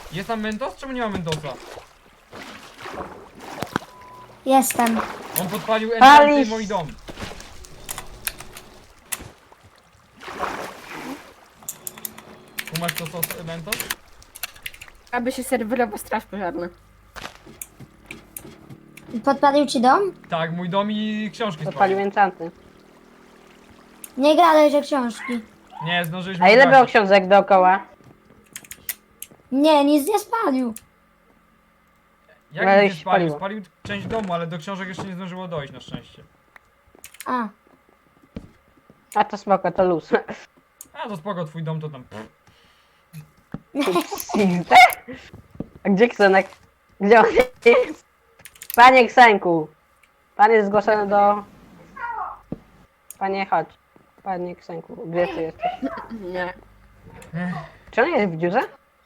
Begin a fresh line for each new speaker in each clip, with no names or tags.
Jest tam Mentos? Czemu nie ma Mentosa?
Jestem.
On podpalił enchanty i
Palisz!
mój dom. Kumasz to sos Mentos?
Aby się serwerowa straż pożarna.
Podpalił ci dom?
Tak, mój dom i książki
Podpalił
spalił.
enchanty.
Nie gadaj, że książki.
Nie, zdążyliśmy
A ile było
zgasić.
książek dookoła?
Nie, nic nie spalił.
Jak
Ale
nie
się
spalił?
spaliło.
Spalił część domu, ale do książek jeszcze nie zdążyło dojść na szczęście.
A,
A to spoko, to luz.
A to spoko, twój dom to tam...
A gdzie Ksenek? Gdzie on jest? Panie Ksenku! Pan jest zgłoszony do... Panie, chodź. Panie Ksenku, gdzie ty jesteś?
Nie.
Czy on jest w dziurze?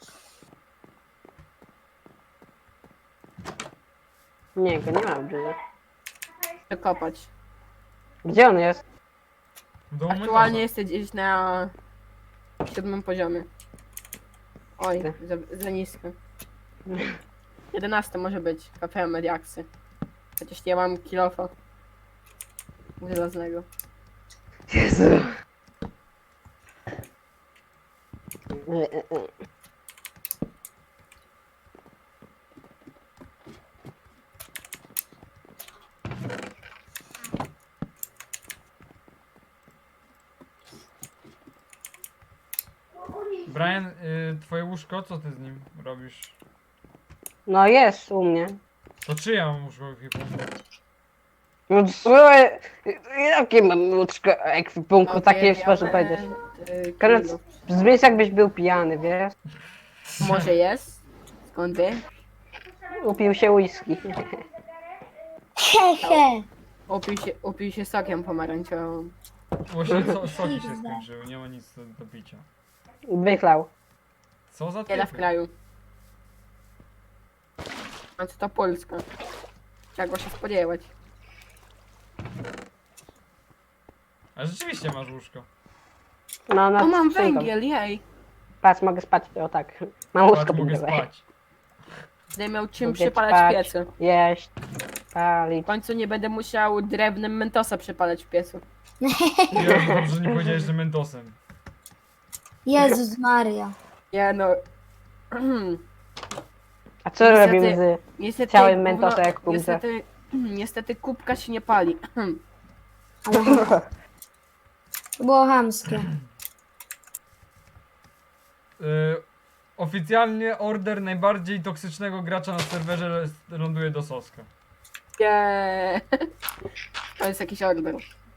Nie, go nie ma w dziurze.
Przekopać.
Gdzie on jest?
W domu
Aktualnie
Mentosa.
jesteś gdzieś na 7 poziomie. Oj, za nisko. 11 może być, kafe mediaksy. Chociaż nie mam kilofa. Żelaznego.
Jezu.
Brian, twoje łóżko, co ty z nim robisz?
No jest u mnie.
To czyja mam łóżko w ekwipunku?
No co? Jakie mam łóżko ekwipunku, takie sposób powiedzieć. Koniec, brzmisz jakbyś był pijany, wiesz?
Może jest? Skąd wie?
Upił się whisky.
hehe.
Upił się sokiem pomarańczowym.
Właśnie soki się skończyły, nie ma nic do picia.
Wychlał.
Co za
Wiele w
typy?
kraju. A co to Polska? Czego się spodziewać?
A rzeczywiście masz łóżko.
No,
O, mam
skrzynką.
węgiel, jej!
Patrz, mogę spać, o tak. Mam łóżko
Patrz, mogę
pod górę.
spać.
Będę miał czym
Mogę
przypalać
spać,
piecy.
jeść,
W
palić.
końcu nie będę musiał drewnem mentosa przypalać w piecu.
Jezu, dobrze, że nie powiedziałeś, że Mentosem.
Jezus Maria.
Nie no.
A co
Niestety-
robimy z...
Niestety,
Chciałem mentosa jak kubce.
niestety kubka się nie pali.
To było chamskie.
Oficjalnie order najbardziej toksycznego gracza na serwerze ląduje do Soska.
Nie. To jest jakiś order.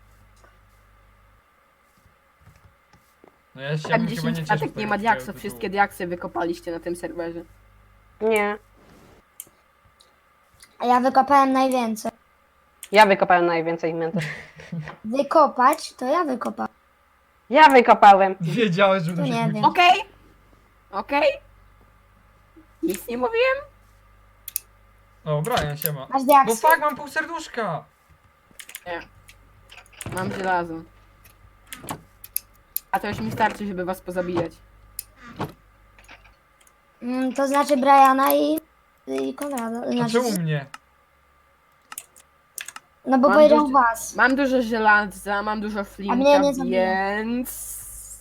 No ja się
Tam
bym chyba
10
nie cieszył
klatek
z
nie
tego
ma diaksów,
tytułu.
wszystkie diaksy wykopaliście na tym serwerze.
Nie.
A ja wykopałem najwięcej.
Ja wykopałem najwięcej mentos.
Wykopać, to ja wykopałem.
Ja wykopałem.
Wiedziałeś, że
To nie
musisz
wiem.
Okej? Okej? Nic nie mówiłem?
O, Brian, siema.
Masz
No
diaksy?
fuck, mam pół serduszka!
Nie. Mam żelazo. A to już mi starczy, żeby was pozabijać.
To znaczy Briana i Konrada.
A
Znaczy,
czemu mnie?
no bo
Mam
powiedział
dużo-
was.
Mam dużo żelaza, mam dużo
mnie
flinta,
nie zabiło.
więc...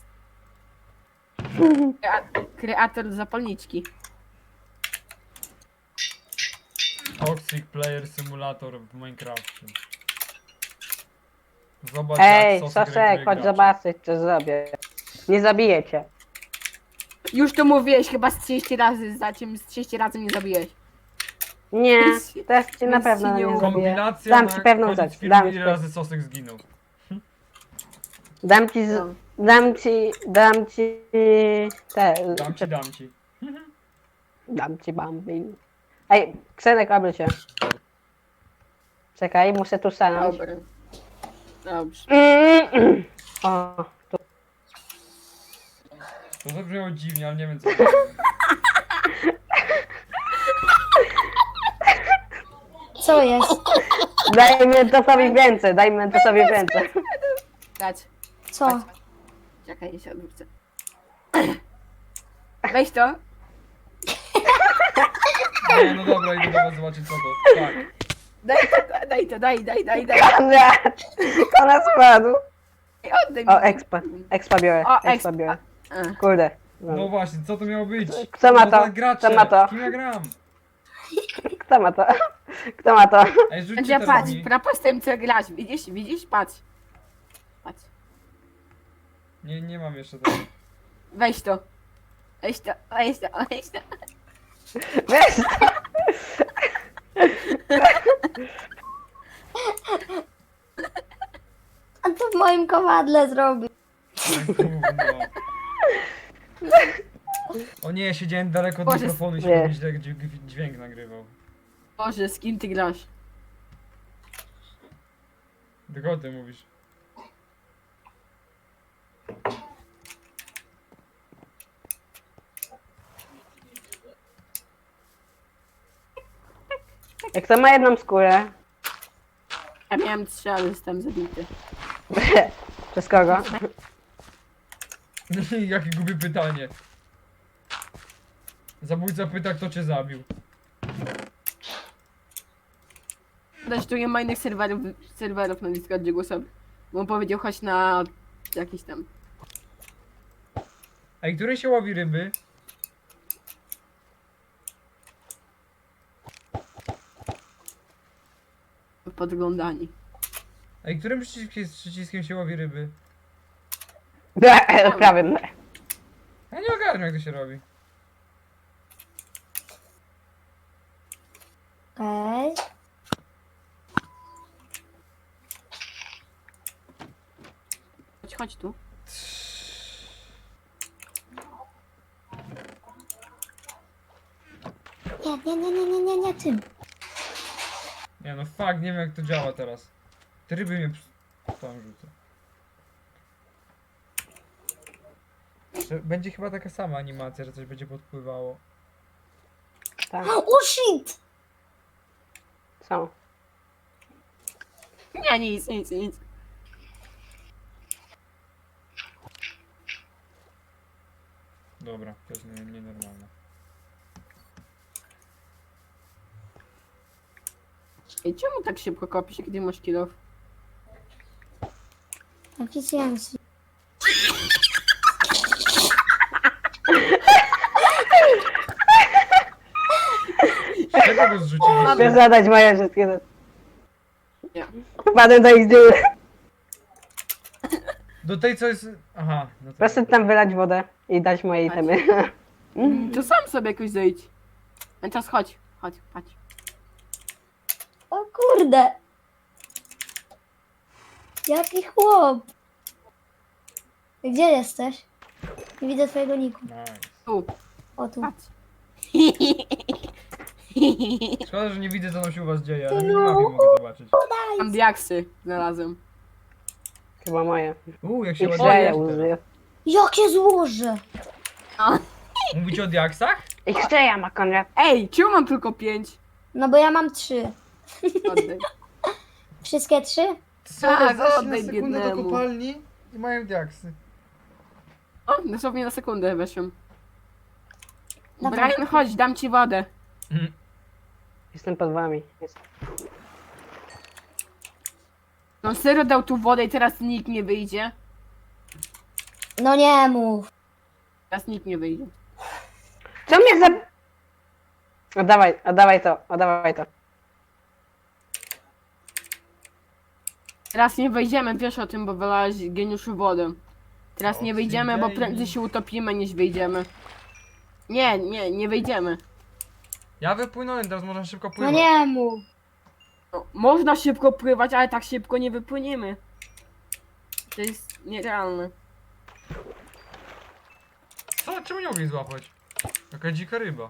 Kreator zapalniczki.
Toxic Player Simulator w Minecrafcie. Zobacz
Ej,
Sosek
Sosek,
reaguje
chodź
graczy.
zobaczyć, co zrobię. Nie zabiję cię.
Już to mówiłeś chyba z 30 razy, za czym z 30 razy mnie zabiłeś.
Nie, też cię na
Nic
pewno
ci nie
nie
uda.
zabiję.
Kompilacja
Dam
na
ci pewną
koniec
rzecz,
filmu,
dam
ile
ci-
razy Sosek zginął.
Dam ci,
No.
dam ci te,
Dam ci.
dam ci bambin. Ej, Ksenek, obry się. Czekaj, muszę tu stanąć.
Dobra. Dobrze.
O, tu.
To zabrzmiało dziwnie, ale nie wiem co.
Co jest?
Dajmy to sobie więcej, dajmy to sobie więcej.
Dać.
Co?
Czekaj, się odwrócę. Weź to.
Nie, no dobra, idę do was zobaczyć co to. Tak.
Daj.
Konrad! Konrad spadł.
Ej, oddaj mi.
O, expa biorę,
O,
expa biorę.
A.
Kurde.
No właśnie, co to miało być?
Kto ma
No
to?
gracze,
Kto ma to?
z kim ja gram?
Kto ma to? Kto ma to?
Ej, rzućcie
Będzie
teraz
patrz,
mi.
propos z tym co grasz. Widzisz? Patrz. Patrz.
Nie mam jeszcze tego.
Weź to. Weź to.
Weź!
A to w moim kowadle zrobi.
Gówno. O nie, siedziałem daleko od
Boże,
mikrofonu i się
nie.
mi źle dźwięk nagrywał.
Boże, z kim ty grasz?
Do kogo ty mówisz?
Jak to ma jedną skórę?
Ja miałem 3, ale jestem zabity.
Przez kogo?
Jakie głupie pytanie. Zabójca pyta, kto cię zabił.
Też tu nie ma innych serwerów na Discordzie głosowych. Bo on powiedział chodź na jakiś tam.
Ej, której się łowi ryby?
Podglądani.
Ej, którym przyciskiem się łowi ryby?
Prawym.
Ja nie ogarniam, jak to się robi.
Okej.
Chodź tu.
Nie tym.
Nie no, fuck, nie wiem jak to działa teraz. Te ryby mnie tam rzucą. Będzie chyba taka sama animacja, że coś będzie podpływało.
Tak,
O shit!
są.
Nie, nic.
Dobra, to jest nienormalne.
Ej, czemu tak szybko kopisz, kiedy masz kill?
Efficiency.
Czego go zrzuciliście?
Chcę zadać moje wszystkie rzeczy.
Nie.
Wpadłem do ich dziury.
Do tej co jest... Aha, no to...
Proszę tam wylać wodę i dać moje itemy.
To sam sobie jakoś zejdź. A teraz chodź, patrz.
O kurde. Jaki chłop. Gdzie jesteś? Nie widzę twojego niku.
Nice.
Tu,
O tu.
patrz.
Szkoda, że nie widzę co tam się u was dzieje, ale na mapie mogę zobaczyć.
Mam diaksy znalazłem.
Chyba moje.
Jak się
Ich
ładuje.
szczeja użyję.
Jakie złoże.
Mówicie o diaksach?
Ich szczeja ma Konrad.
Ej, czemu mam tylko 5?
No bo ja mam 3.
Oddaj.
Wszystkie 3?
Tak,
zeszli
oddaj
na sekundę do
biednemu.
kopalni i mają diaksy.
O, dosłownie na sekundę weszłem.
Dobra.
Brian, chodź, dam ci wodę.
Jestem pod wami.
No serio dał tu wodę i teraz nikt nie wyjdzie.
No nie mów.
Teraz nikt nie wyjdzie.
Co mnie za... Oddawaj to.
Teraz nie wejdziemy, wiesz o tym, bo wylałeś geniuszu wodę. Teraz nie wyjdziemy, bo prędzej się utopimy niż wyjdziemy. Nie wejdziemy.
Ja wypłynąłem, teraz można szybko
No
pływać.
nie mów.
No, można szybko pływać, ale tak szybko nie wypłyniemy. To jest nierealne.
Co? Czemu nie mogli złapać? Jaka dzika ryba.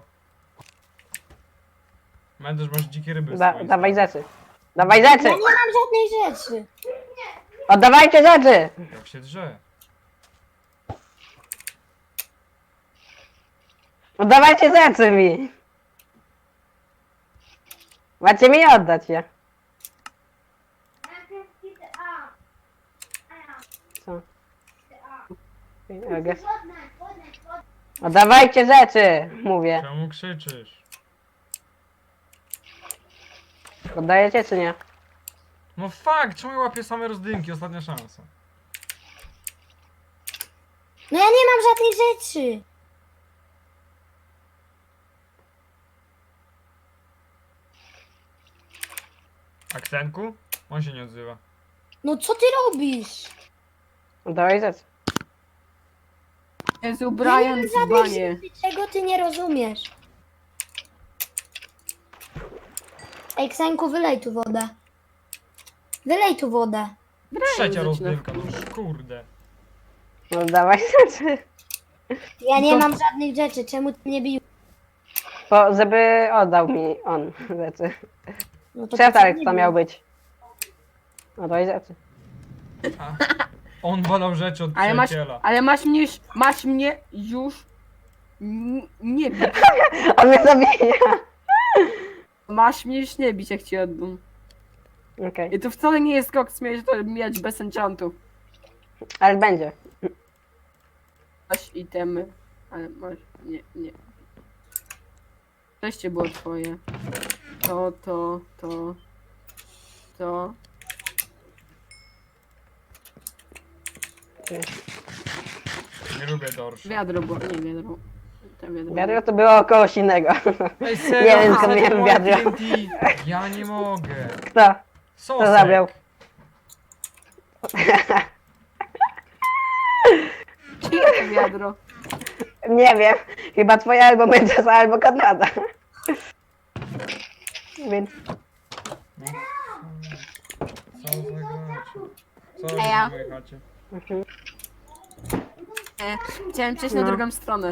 Mendes, masz dzikie ryby. w swoim
Dawaj
stanie.
rzeczy. Dawaj rzeczy!
Ja nie mam żadnej rzeczy.
Oddawajcie rzeczy!
Jak się drze.
Oddawajcie rzeczy mi! Macie mi oddać je. Co? I guess. Oddawajcie rzeczy! Mówię.
Czemu krzyczysz?
Oddajecie czy nie?
No fuck, czemu ja łapię same rozdymki? Ostatnia szansa.
No ja nie mam żadnych rzeczy.
Aksenku? On się nie odzywa.
No co ty robisz?
Oddawaj rzecz.
Jezu,
Ja nie
Brian,
mam żadnych
dzbanie.
rzeczy, czego ty nie rozumiesz. Ej, Ksenku, wylej tu wodę. Wylej tu wodę.
Trzecia
zaczyna.
rozdymka, no kurde.
Oddawaj rzeczy.
Ja nie
To-
mam żadnych rzeczy, czemu ty mnie bił?
Bo żeby oddał mi on rzeczy.
No to
Przetarg
nie
to
bił.
miał być. Oddaj rzeczy.
A, on wolał rzeczy od przyjaciela.
Ale masz mnie już nie bić.
On mnie zabija.
Masz mnie już nie bić, jak ci oddam.
Okej.
I to wcale nie jest koks, miałeś to mieć bez enchantu.
Ale będzie.
Masz itemy, ale masz, nie. Wreszcie było twoje. To.
Nie lubię dorsz.
Wiadro było, nie wiadro. To wiadro.
Wiadro to było kogoś innego.
Ej,
Nie
serio,
wiem, co
ale
miałem
moje
wiadro.
TNT. Ja nie mogę.
Kto?
Sosek.
Kto zabrał?
Czyje to wiadro?
Nie wiem. Chyba twoja albo Mendoza, albo Konrada. Więc
Co za gracze. Co robisz
ja.
w mojej chacie?
Chciałem przejść
No.
na drugą stronę.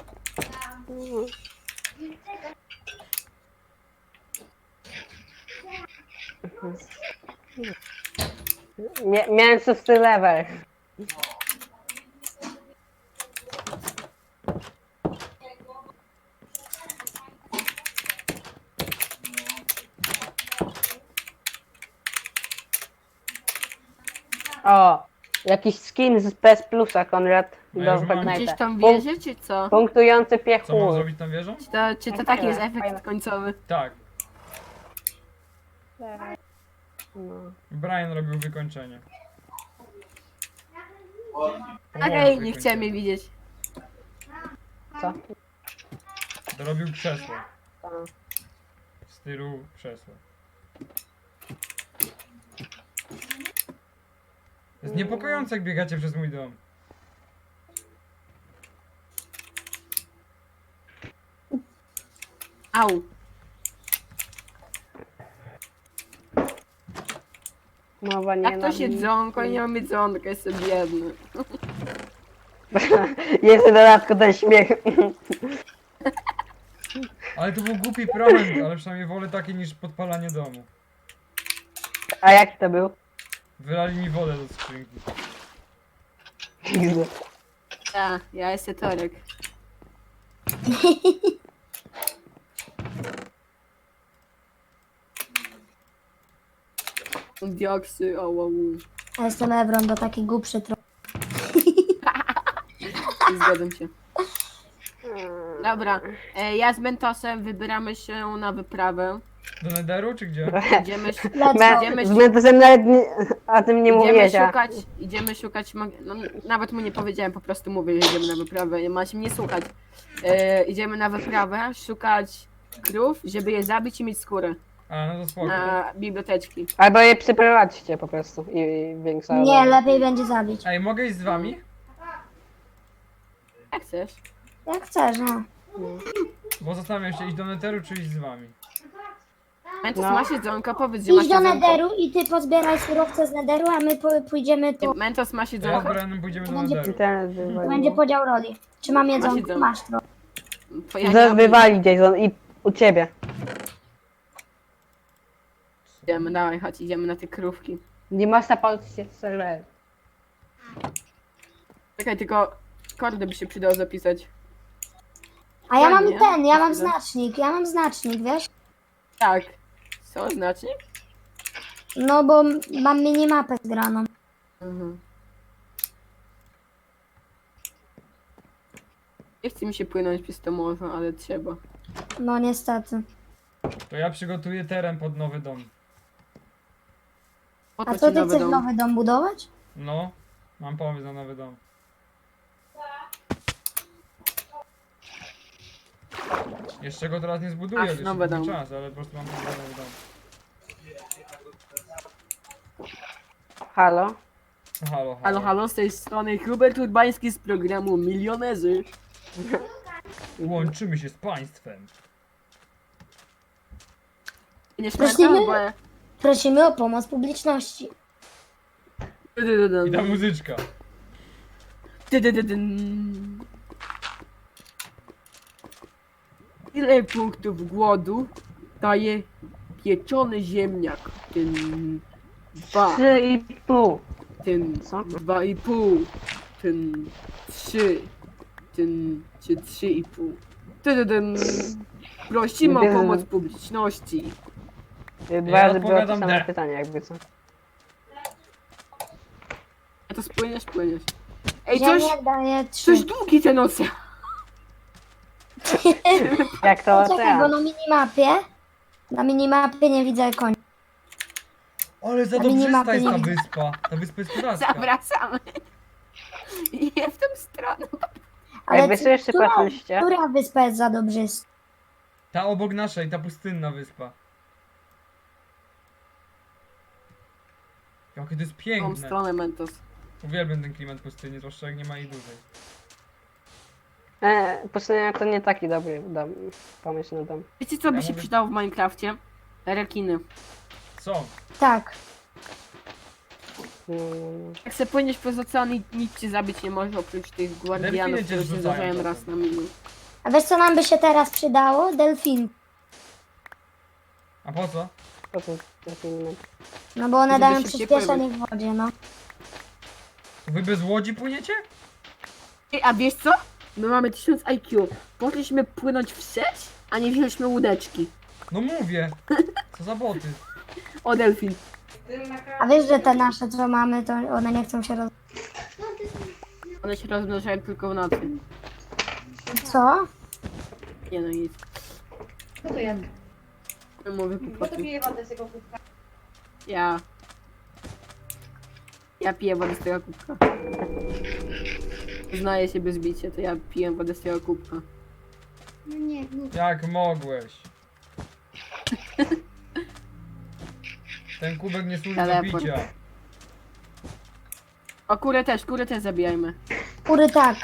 miałem 6 level. O, jakiś skin z PS Plusa, Konrad.
No ja
Do
już mam.
Gdzieś
Fortnite'a.
tam wiezie, czy co?
Punktujący
Co mam
piechur.
zrobić tą wieżą?
Czy to taki jest efekt końcowy?
Tak.
No.
Brian robił wykończenie.
Okej, nie chciałem jej widzieć.
Co?
Dorobił krzesło.
To.
W stylu krzesła. Jest niepokojące, jak biegacie przez mój dom.
Au.
Mowa nie
Jak to się dzonko, nie mam jedzonka, jestem biedny.
Jest w dodatku ten śmiech.
Ale to był głupi prąd, ale przynajmniej wolę takie niż podpalanie domu.
A jaki to był?
Wylali mi wodę do skrzynki.
Ja jestem Torek. Dioksy, o wow.
Ja jestem Ebron, to taki głupszy trochę.
Zgadzam się. Dobra, ja z Mentosem wybieramy się na wyprawę.
Do Netheru czy gdzie?
Idziemy,
Let's
Z Mentosem nawet nie, o tym nie mówiłeś, a...
idziemy szukać, no, nawet mu nie powiedziałem, po prostu mówię, że idziemy na wyprawę, masz mnie słuchać. Idziemy na wyprawę, szukać krów, żeby je zabić i mieć skórę
A, no to spoko.
na biblioteczki.
Albo je przyprowadźcie po prostu i większa...
Nie, lepiej będzie zabić.
Ej, mogę iść z wami?
Jak chcesz?
Jak chcesz, no.
Bo zastanawiam się, iść do Netheru czy iść z wami.
Mentos,
No.
masz jedzonko? Powiedz, że masz
Idź do
jedzonko.
Netheru i ty pozbieraj surowce z Netheru, a my pójdziemy po...
Mentos, masz
To ja z
jedzonko?
Brianem pójdziemy do
Będzie-
Netheru.
Internet
To
wywalił.
będzie podział roli. Czy mam jedzonko?
jedzonko.
Masz trochę.
To ja nie
Zaraz
mam-
wywali Jason i u ciebie.
Idziemy, dawaj, chodź, idziemy na te krówki.
Nie można polskie serwery.
Czekaj, tylko kordy by się przydało zapisać.
A ja mam
Fajnie.
ten, ja mam znacznik, wiesz?
Tak. Co, znaczy?
No bo mam minimapę zgraną.
Mhm. Nie chce mi się płynąć przez to morze, ale trzeba.
No niestety.
To ja przygotuję teren pod nowy dom.
Po
A
to
co
ci
ty
nowy
chcesz
dom.
nowy dom budować?
No, mam pomysł na nowy dom. Jeszcze go teraz nie zbuduję,
Ach,
jeszcze
nowy
długi
dom.
czas, ale po prostu mam pomysł na nowy dom.
Halo?
No, halo,
Halo, halo, z tej strony Hubert Urbański z programu Milionerzy.
Łączymy się z państwem.
Nie
Prosimy?
śmieszne, bo...
Prosimy o pomoc publiczności.
I ta muzyczka.
Ile punktów głodu daje pieczony ziemniak? Ten 2,
3,5.
ten
Co?
2,5, ten 3, ten 3,5. Tydydyn. Prosimy o
Tydydyn.
pomoc publiczności.
Dwa razy było to
odpowiadam
same
D.
pytanie, jakby co.
A to spłyniesz. Ej, coś
Ziemniak daje 3.
długi ten ocean.
Jak to
Czekaj, bo
ocean?
na minimapie nie widzę konia.
Ale za
Na
dobrzysta
minimapie
jest
nie
ta
widzę.
wyspa. Ta wyspa jest kozacka.
Zawracamy. I nie w tą stronę.
Ej, wy sobie jeszcze patrzyliście?
Która wyspa jest za dobrzysta?
Ta obok naszej, ta pustynna wyspa. Jakie to jest
W tą
piękne.
stronę, Mentos.
Uwielbiam ten klimat pustyni, zwłaszcza jak nie ma jej dłużej.
Pustynia to nie taki dobry dom, pomysł na dom.
Wiecie co by
Ja
się
mówię-
przydało w Minecrafcie? Rekiny.
Co?
Tak.
Jak se płyniesz przez ocean i nic cię zabić nie może oprócz tych
Delfiny
guardianów,
cię
które się
zrzucają
zdarzają
czasem.
raz na milion.
A wiesz co nam by się teraz przydało? Delfin.
A po co?
Po co to filmy?
No bo one
Żeby
dają
szybciej
przyspieszenie w wodzie, no.
Wy bez łodzi płyniecie?
Ej, a wiesz co? My mamy 1000 IQ. Poszliśmy płynąć wstecz, a nie wzięliśmy łódeczki.
No mówię. Co za boty.
O, delfin.
A wiesz, że te nasze, co mamy, to one nie chcą się roz...
One się rozmnażają tylko w nocy.
Co?
Nie no nic.
Co to jest?
No mówię
Kto to
kłopoty.
pije wodę z tego kubka?
Ja. Ja piję wodę z tego kubka. Uznaję się bez bicia, to ja piję wodę z tego kubka.
No nie, nie.
Jak mogłeś? Ten kubek nie służy do
Teleport.
picia.
O, kurę też zabijajmy.
Kury tak.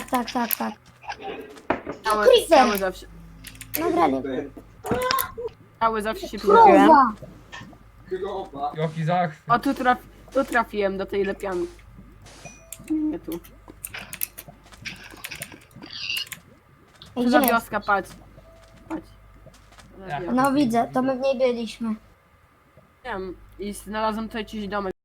Cały zawsze.
Nagrali.
Cały zawsze się przydało.
Krowa!
Jaki zachwyt.
O, tu trafiłem do tej lepianki. Nie tu.
Ej,
Tu za
gdzie jest?
wioska, patrz. Patrz. Za
Ja.
wioskę.
No widzę, to my w niej byliśmy.
Wiem. I znalazłem tutaj jakiś domek.